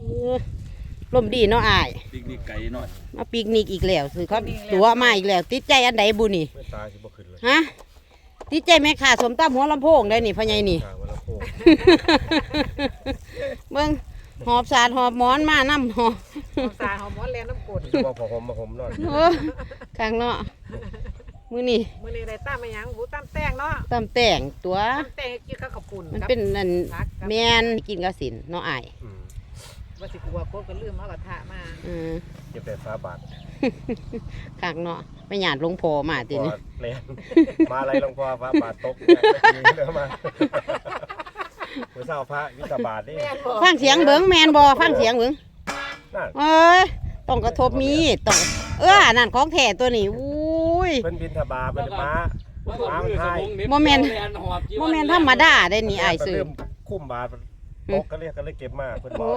ลมดีเนาะอ้ายปิกนิกไก่หน่อยมาปิกนิกอีกแล้วคือเขาตัวมาอีกแล้วติดใจอันใดบุนี่ตาสิบ่ขึ้นเลยฮะติดใจแม่ข่าสมตำหัวลำโพงได้นี่พ่อใหญ่นี่เบิ่งหอบสาดหอบหมอนมาน้ำหอบสาดหอบหมอนแลน้ำกดบ่พอหอมมาหอมนอนข้างเนาะมื้อนี้ได้ตั้มมาหยังตั้มแป้งเนาะตั้มแต่งตัวตั้มแป้งกินข้าวกับปุ่นมันเป็นนั่นแม่นกินกระสินเนาะอ้ายว่าสิกลัวโคตรก็ลืมเอากระทะมาเก็บแต่ฟ้าบาทข้างเนาะไม่หยาดลงพอมาตินี่แลนมาอะไรลงพอฟ้าบาทตกเด้อมามื้อเช้าพระวิตาบาทนี่ฟังเสียงเบิ่งแม่นบ่ฟังเสียงเบิ่งเอ้ยต้องกระทบมีต้องนั่นของแท้ตัวนี้อุ้ยเพิ่นบินทบาทเพิ่นมาไทยโมเมนต์ธรรมดาได้นี่อ้ายซื้อคุ้มบาทตกก็เรียกเก็บมาเพิ่นบ่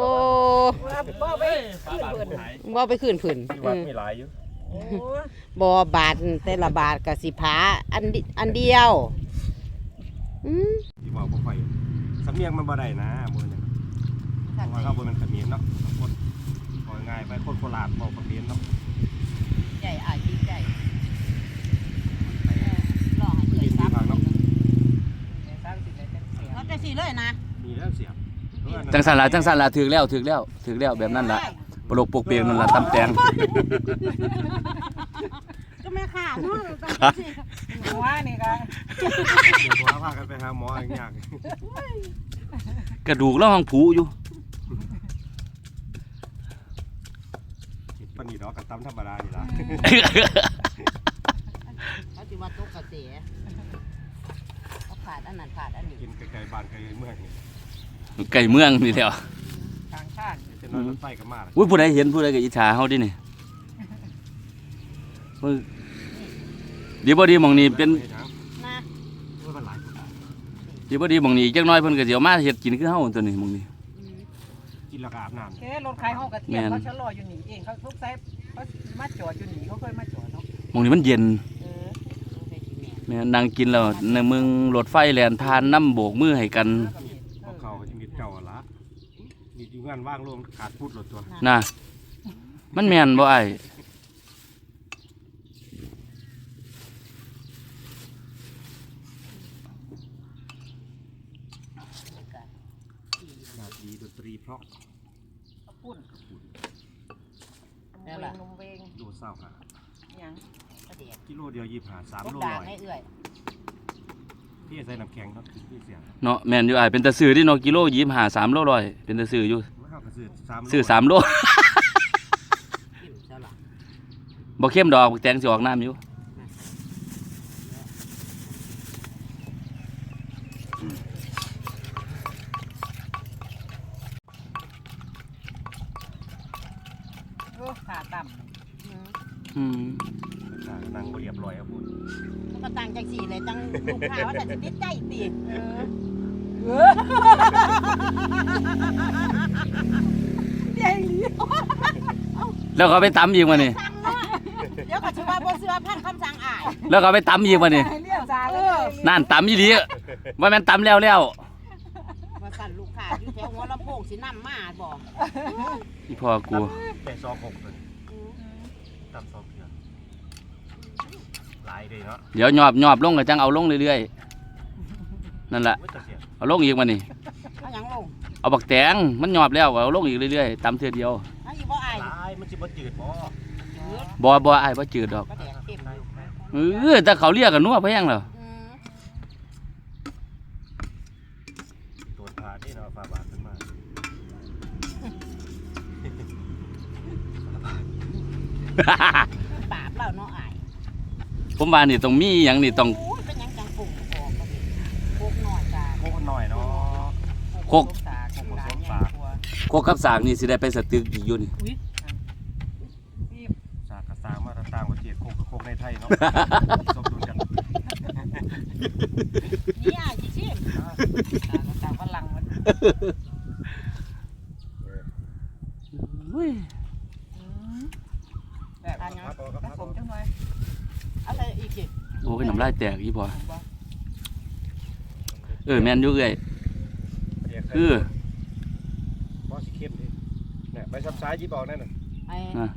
บ่ไปคืนผืนที่วัดมีหลายอยู่บ่บาทแต่ละบาทก็สิผาอันเดียวที่บอกบ่ค่อยสำเนียงมันบ่ได้นะมื้อนี้ว่าเขาบ่แม่นเขมรเนาะคนบ่ง่ายไปคนโคราชบ่เขมรเนาะใหญ่อ้ายดีใจลองให้เอื้อยซับเนาะเขาจะสิเลยนะมีแล้วเสียบจังสันละถึกแล้วแบบนั้นละปลกปกเปียงนั่นละตำแตงก็แม่ข่าเนาะหัวนี่ก็หัวพากันไปหาหมออย่างยากกระดูกแล้วห้องผูอยู่ปานนี้ดอกกระตำธรรมดานี่ล่ะเขาสิว่าตกกระเสเขาขาดอันนั้นขาดอันนี้กินไก่บ้านไก่เมืองนี่ไก่เมืองนี่แหละทางชาติจะนอนรถไฟก็มาอุ้ยผู้ใดเห็นผู้ใดก็อิจฉาเฮาดินี่ดีบ่ดีหม่องนี้เป็นดีบ่ดีหม่องนี้จักหน่อยเพิ่นก็สิเอามาเฮ็ดกินคือเฮาตัวนี้หม่องนี้กินแล้วก็อาบน้ำรถขายห้องกระเทียมเขาชะลออยู่นี่เองเขาทุกไซส์เขามาจอดอยู่นี่เขาเคยมาจอดเนาะหม่องนี้มันเย็นแม่นั่งกินแล้วในเมืองรถไฟแล่นผ่านน้ำโบกมือให้กันเขาจะมีเก่าละมีอยู่งานว่างรวมขาดพูดรถตัวน่ะมันแม่นบ่อ้ายดีดนตรีเพราะปุ่นนมเวงโลเศร้าค่ะยังกิโลเดียว25 3 โล100พี่ใส่น้ำแข็งครับพี่เสียเนาะแม่นอยู่อ้ายเป็นตะซื้อที่เนาะกิโล25 3 โล100เป็นตะซื้ออยู่ซื้อ3 โลบ่เข้มดอกแตงสิออกน้ำอยู่ขาต่ำนั่งเรียบร้อยครับคุณมันก็ต่างจากสี่เลยจังลูกค้าว่าแต่จะติดใจตีแล้วเขาไปตำอีกมานี่เดี๋ยวก็ชื่อว่าบ่เสื้อพันคำสั่งอ้ายแล้วเขาไปตำอีกมานี่นั่นตำอีหลีว่าแม่นตำแล้วมาสั่นลูกค้าอยู่แถวหัวลำโพงสินำมาบอกอีพ่อกูแต่26ตัวตำ2เทื่อหลายเลยเนาะเดี๋ยวหยอบลงก็จังเอาลงเรื่อยๆนั่นแหละเอาลงอีกมานี่เอาหยังลงเอาบักแตงมันหยอบแล้วเอาลงอีกเรื่อยๆตำเทื่อเดียวเอาอีบ่อ้ายมันสิบ่จืดบ่อ้ายบ่จืดดอกแต่เขาเรียกกันนัวแพงแล้วตัวพาที่เนาะฟ้าบาทขึ้นมาปราบแล้วเนาะอ้ายผมว่านี่ต้องมีหยังนี่ต้องเป็นหยังจังปลูกออกก็สิโคกน้อยจ้าโคกน้อยเนาะโคกกับสากนี่สิได้ไปสตึกอีกอยู่นี่สากกับสากมาต่างประเทศโคกในไทยเนาะสมดุลกันนี่อ้ายสิชิมสากฝรั่งมันแบบอันนี้ผสมจังเลยอะไรอีกสิโอ้ยน้ำลายแตกอีพอแม่นอยู่เอ้ยบ่สิเข้มดิไปซับซ้ายยิบออกนั่นน่ะไอ้อ่ะ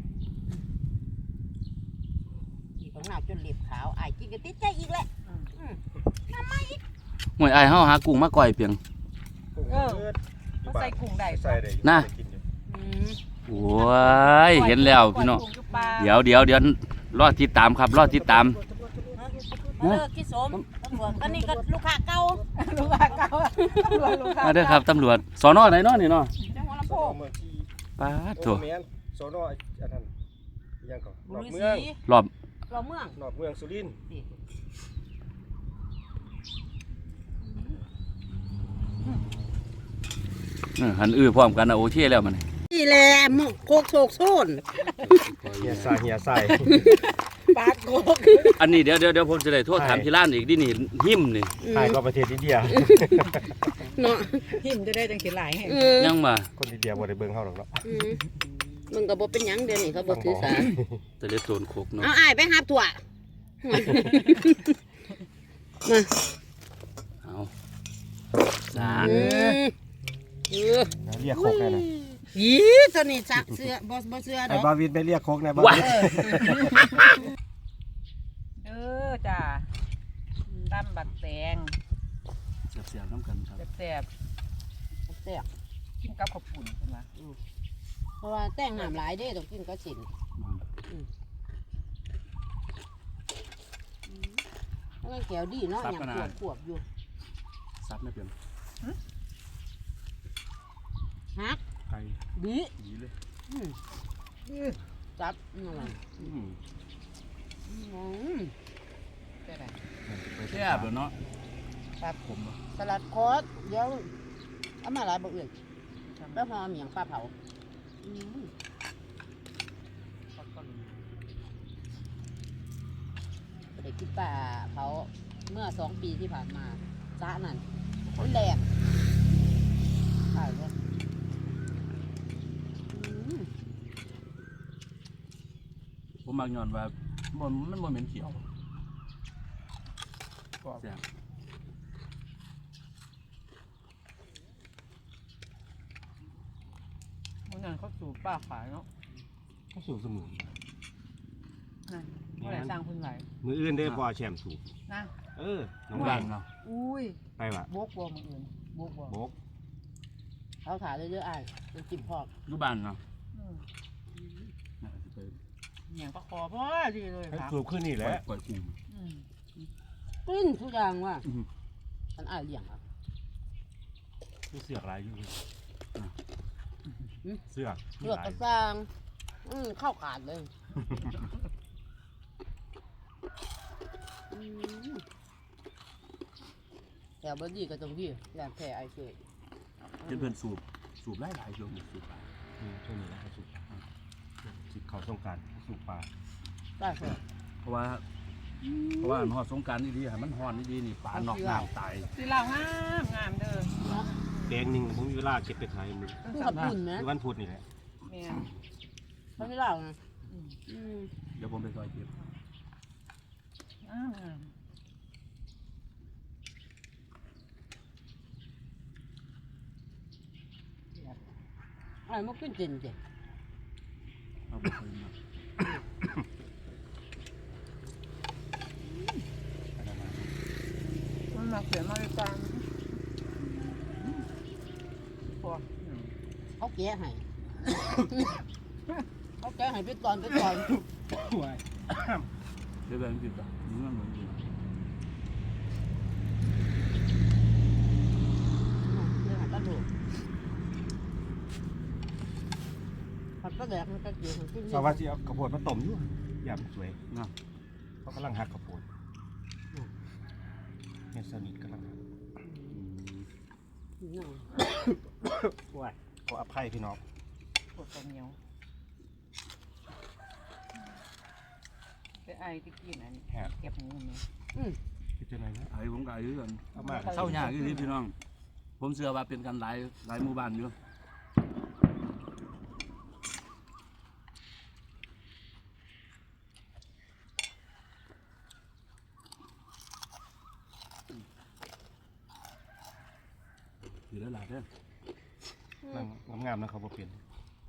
ต้องหนาวจนเล็บขาวไอ้กินก็ติดใจอีกแหละห่วยอ้ายเฮาหากุ้งมาก่อยเปียงเขาใส่กุ้งได้ใส่ได้น่ะอืมโอ้ยเห็นแล้วพี่น้องเดี๋ยวรอติดตามครับรอติดตามเลิกที่สมตำรวจก็นี่ก็ลูกค้าเก่าลูกค้าเก่าลูกค้ามาเด้อครับตำรวจสนไหนเนาะนี่เนาะจังหวัดลำโพงเมืองที่ปาดโถโอ้แม่นโซโนอันนั้นยังก่อนนบุอกรีเมืศองรีรอบเราเมืองนอกเมืองสุรินทร์หันพร้อมกันนะโอเคแล้วมันนี่แหละหมกโคกโศกโซนเฮียใส่ปากโกกอันนี้เดี๋ยวผมจะได้โทษถามที่ร้านอีกดินี่หิมนี่อืมถ่ายก็ประเทศอินเดียเนาะหิมจะได้จังสิหลายแห่งยังมาคนอินเดียบ่ได้เบิ่งเฮาหรอกเนาะอืมมึงก็บ่เป็นหยังเดี๋ยวนี้เขาบ่ถือสาแต่เล็ดโซนโคกเนาะเอาอ้ายไปหาถั่วมาเอาสาอืมเออเรียกโคกแน่น่ะอีตัวนี้ซักเสื้อบ่เสื้อดไอ้อกบาวินไปเรียกโคกแน่บาว้าวินจ้าตำบักแตงเสียบๆน้ำกันครับแซ่บแซ่บๆกินกับข้าวปุ้นใช่ไหมเพราะว่าแต่งน้ำหลายเด้ต้องกินก็สินมันแก้วดีเนาะอย่างขวบอยู่ซับไม่เป็นฮักไก่บีดีเลยจับนั่นแหละอืมอืมได้ไหมแซ่บเดี๋ยวเนาะครับผมบ่สลัดคอสเดี๋ยวเอามาหลายบ่อื่นแล้วพอเมียงปลาเผาอืมได้กินปลาเผาเมื่อ2 ปีที่ผ่านมาซะนั่นมันแดงใช่เลยอืมผมมักย้อนว่ามันบ่เหม็นเขียวแซ่บมันนั่นเขาสูบป้าขายเนาะเขาสูบเสมอนั่นเมื่อไหร่สร้างคุณไหวมืออื่นได้บ่แชมป์สูบนะน้องบ้าบ้าน นเนาะอุ้ยไปว่ะบกบัวมืออื่นบกบัวโบกเขาถ่ายเรื่อยๆอ้ายเป็นจิ้มพอกอยู่บ้านเนาะอืมน่าสิไปอย่างประคอพ่อดีเลยให้ครับสูบขึ้นนี่แหละปล่อยกุ้งอืมกลิ้นทุกอย่างว่ะอือมันอ้ายเลี้ยงอ่ะมีเสือกหลายอยู่เสือกเลือกกระซังเข้าขาดเลยแต่บดีก็ตรงที่แหลมแผ่ไอเกตเพิ่นสูบหลายๆช่วงนี้สูบหลายช่วงนี้นะเขาสูบสิเขาต้องการสูบปลาได้เถอะเพราะว่าฮอดสงกรานต์ดีๆให้มันฮ้อนดีๆนี่ปลานอกน้ำตายสีเหล่างามงามเด้อแดงหนึ่งผมมีเวลาเก็บไปขายมือคือขับปุ่นนะวันพุธนี่แหละแม่เขาไม่เล่านะเดี๋ยวผมไปซอยเก็บงามงามไอ้มันขึ้นเจนเจเอาไปคืนมามันมาเขียนมาด้วยกันพอเขาแก้ให้ เขาแก้ให้ไปตอนเดี๋ยวแบ่งกินก่อนมันเหมือนกันเรื่องหากระดูกผัดกระแดกมันก็เกี่ยวกับขึ้นสวัสดีเอาข้าวโพดมาต้มอยู่ยำสวยเนาะเขากำลังหักข้าวโพดเนี่ยสนิทกำลังหักว้ายขออภัยพี่น้องปวดตัวเหนียวไปไอ้ที่กินอันนี้เก็บหมูไหมคือจะไหนนะไอ้ผมก็อายุกันเอามาเศร้ายากอยู่ที่พี่น้อง ผมเชื่อว่าเป็นกันหลายหมู่บ้านอยู่อยู่แล้วหลายเด้อนั่งงามๆนะเขาบ่เปลี่ยน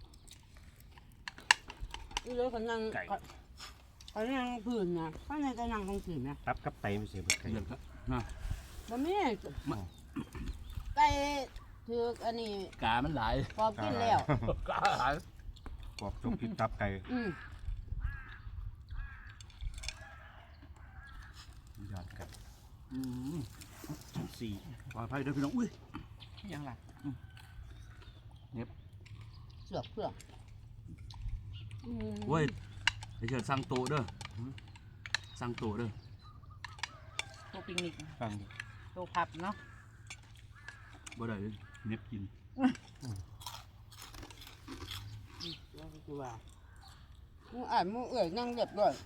นี่เลยเขานั่งเขานั่งพื้นนะข้างในก็นั่งตรงพื้นนะตับกับไตไม่ใช่เบิดไก่เดือดครับนะมันไม่ไก่ถืออันนี้กามันหลายพอกินแล้วกาหลายกรอบจกพิษตับไก่ ยอดไก่ สี่ปลอดภัยเด้อพี่น้องอุ้ยยังล่ะเสือกเพื่อกเว้ยไอ้เชิดสั่งโตะเด้อสั่งโตะเด้อโตปิกนิกฟังดิโตพับเนาะบ่ได้เลยเน็บกินแล้วก็คือว่ามึงอ่านมึงเอ่ยนั่งเรียบร้อย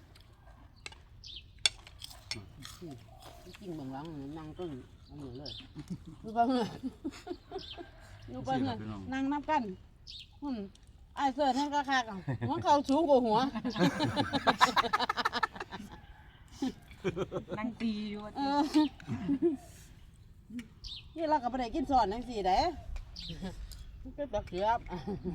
กินเบื้องหลังนั่งต้นอันนี้เลยดูไปเพื่อนดูไปเพื่อนนั่งนับกันไอ้เสือนั่นก็คากันหัวเขาสูงกว่าหัวนั่งตีอยู่นี่เราก็ไม่ได้กินสอนทั้งสี่เด้เป็นตะเกียบ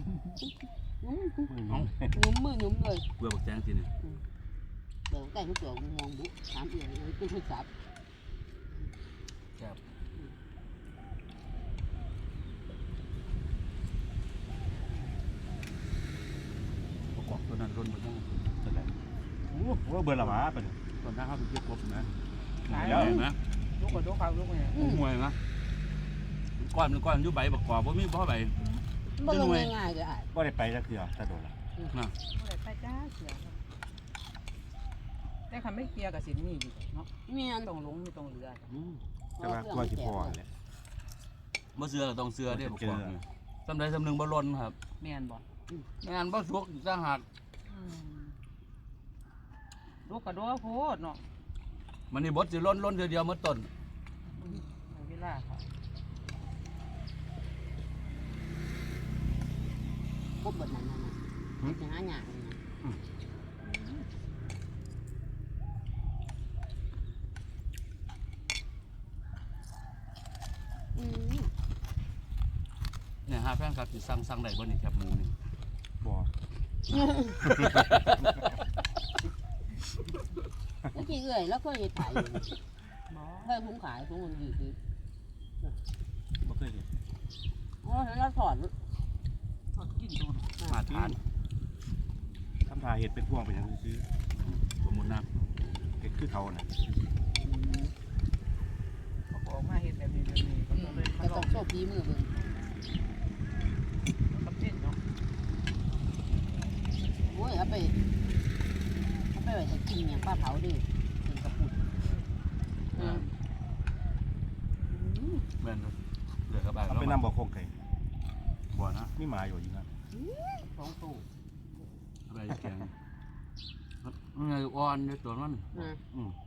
เอ้าหนุ่มมือหนุ่มเลยเบื่อบักแจงสิเนี่ยเดี๋ยวใกล้ทุกตัวมองบุถามเอื่อยเลยเป็นผู้สับครับประกอบตัวนั้นร่นมาทั้งจะได้โอ้โหเบิดละหมาเป็นตอนนั้นเขาไปเก็บกบนะเดี๋ยวเห็นไหมลูกกับลูกเขาลูกเนี่ยห่วยนะก้อนอยู่ใบประกอบว่ามีบ่ใบมันลงง่ายๆเลยอ่ะก็ได้ไปจักเทื่อถ้าโดนละนะเมื่อไหร่ไปจ้าเสียแต่คันไม่เคลียร์กับสินนี่อยู่เนาะเมียนตรงลงมีตรงเรือแต่ว่ากลัวสิพอแหละเมื่อเสือก็ต้องเสือเด้ประกอบนี่สำใดสำหนึ่งบ่ล้นครับแม่นบ่ไม่งั้นบ่สุกอีกต่างหากลูกกับลูกโพดเนาะมันนี่บดสิล้นเดียวเมื่อต้นเวลาค่ะพบแบบนั้นนะจะหาหยาเลยนะเนี่ยหาแฟนครับสิสั่งได้บ่นี่แคบหมูนี่บ่เมื่อกี้เอื่อยแล้วก็ยังขายอยู่บ่เพื่อนผมขายผมมันอยู่คือบ่เคยเห็นอ๋อแล้วถอดทอดกินตัวเนาะมาทานทำทาเห็ดเป็นพวงเป็นอย่างซื้อสมมุตินะเห็ดคือเขาน่ะเขาก็ออกมาเห็ดแบบนี้ก็เลยมาก็ลต้ออง งโชคดีมือเบิ่งกับเส้นเนาะโอ้ยเอาไปไว้จะกินอย่างป้าเผาดิเป็นกระปุกแม่นครับเหลือกับบ้านเอาไปนำบ่อโคงไก่บ่นะมีหมาอยู่นะสองตู้อะไรแกงมันไงอ่อนในตัวมันนะอืม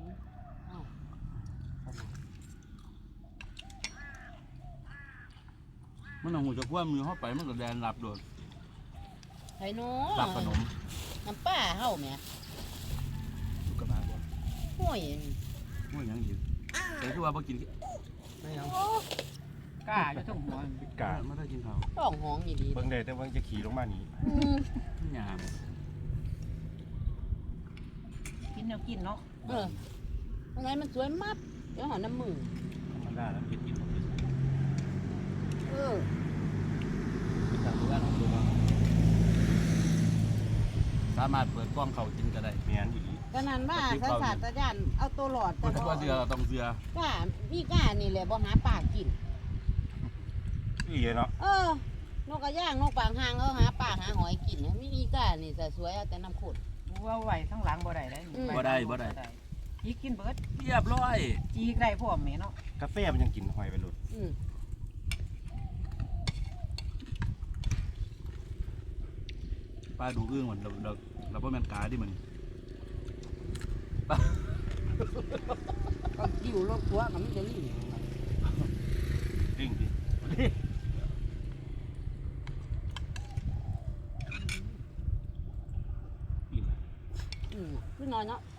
มันเอาหูจะพ่วมือเข้าไปมันก็แดนหลับโดดไข่โน้หลับขนมน้ำป้าเฮาแม่ลูกกระบาบ่ห่วยว่าหยังอีกแต่คือว่าบ่กินไม่เอากล้าอยู่ทั้งหัวพิกาไม่ได้กินข้าวต้องห้องดีเบิ่งได้แต่ว่าจะขี่ลงมานี่หยามกินแนวกินเนาะทำไมมันสวยมากเดี๋ยวหาน้ำมือธรรมดาแล้วเห็ดกินบ่เป็นทางบ้านของตัวสามารถเปิดกล้องเขากินก็ได้แม่นอีหลีก็นั้นว่าสัตว์ยานเอาตัวหลอดเพราะว่าเสือต้องเสือก้าพี่ก้านี่แหละบ่หาปลากินอีเนาะนกกระย่างนกปางหางหาปลาหาหอยกินมีอีก้านี่แต่สวยเอาแต่น้ำขุดว่าไหวทั้งหลังบ่ได้ยีกินเบิดเรียบร้อยจีกได้พวกแม่เนาะกาแฟมันยังกินหอยไปหลุดปลาดูอึ้งเหมือนเราบ่แม่นกาดิมันก็กิ้วรถทัวร์มันจะลิ่งดิ้งดิอิ่มขึ้นน้อยเนาะ